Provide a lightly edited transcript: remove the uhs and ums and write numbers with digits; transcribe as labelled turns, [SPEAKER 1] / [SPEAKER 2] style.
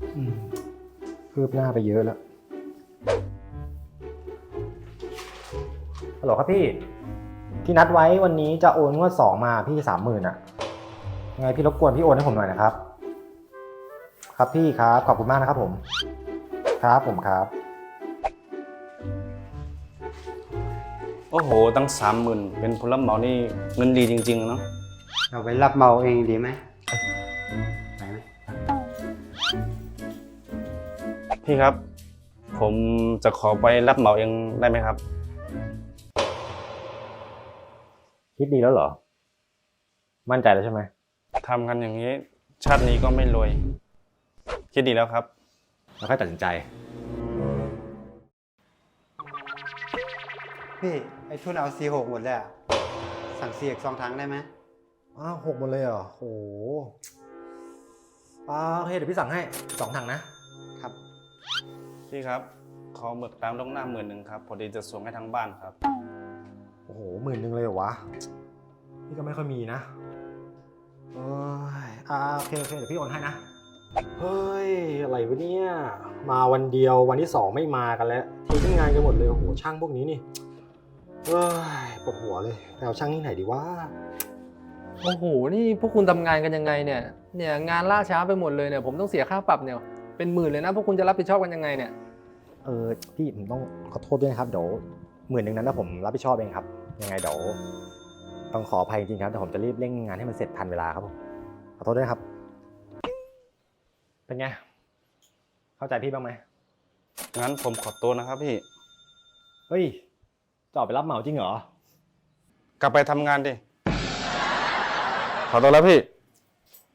[SPEAKER 1] คืบหน้าไปเยอะแล้วฮัลโหลครับพี่ที่นัดไว้วันนี้จะโอนงวด2มาพี่30,000อ่ะยังไงพี่รบกวนพี่โอนให้ผมหน่อยนะครับครับพี่ครับขอบคุณมากนะครับผมครับผมครับ
[SPEAKER 2] โอ้โหตั้ง30,000เป็นผู้รับเหมานี่เงินดีจริงๆเนาะ
[SPEAKER 3] เราไปรับเหมาเองดีไหมไปไหม
[SPEAKER 2] พี่ครับ ผมจะขอไปรับเหมาเองได้ไหมครับ
[SPEAKER 1] คิดดีแล้วเหรอมั่นใจแล้วใช่ไหม
[SPEAKER 2] ทำกันอย่างนี้ ชาตินี้ก็ไม่รวย คิดดีแล้วครับ
[SPEAKER 1] แล้วค่อยตัดสินใจ
[SPEAKER 3] พี่ไอ้ทุนเอา C6 หมดเลยอะสั่ง C อีก2 ถังได้ไหม
[SPEAKER 1] 6หมดเลยเหรอโหโอเคเดี๋ยวพี่สั่งให้2 ถังนะครับ
[SPEAKER 2] พี่ครับ ขอหมึกตามล่วงหน้า10,000ครับพอดีจะส่งให้ทางบ้านครับ
[SPEAKER 1] โอ้โห10,000เลยเหรอวะพี่ก็ไม่ค่อยมีนะโอ้ยโอเคเดี๋ยวพี่โอนให้นะเฮ้ยอะไรวะเนี่ยมาวันเดียววันที่2ไม่มากันแล้วทิ้งงานกันหมดเลยโอ้โหช่างพวกนี้นี่เฮ้ยปวดหัวเลยไปเอาช่างที่ไหนดีวะ
[SPEAKER 4] โอ้โห นี่พวกคุณทำงานกันยังไงเนี่ยงานล่าช้าไปหมดเลยเนี่ยผมต้องเสียค่าปรับเนี่ยเป็นหมื่นเลยนะพวกคุณจะรับผิดชอบกันยังไงเนี่ย
[SPEAKER 1] พี่ผมต้องขอโทษด้วยนะครับเดี๋ยว10,000นั้นนะผมรับผิดชอบเองครับยังไงเดี๋ยวต้องขออภัยจริงๆครับแต่ผมจะรีบเร่งงานให้มันเสร็จทันเวลาครับผมขอโทษด้วยครับเป็นไงเข้าใจพี่บ้างไหม
[SPEAKER 2] งั้นผมขอตัวนะครับพี่
[SPEAKER 1] เฮ้ยจะออกไปรับเหมาจริงเหรอ
[SPEAKER 2] กลับไปทำงานดิ ขอตัวแล้วพี่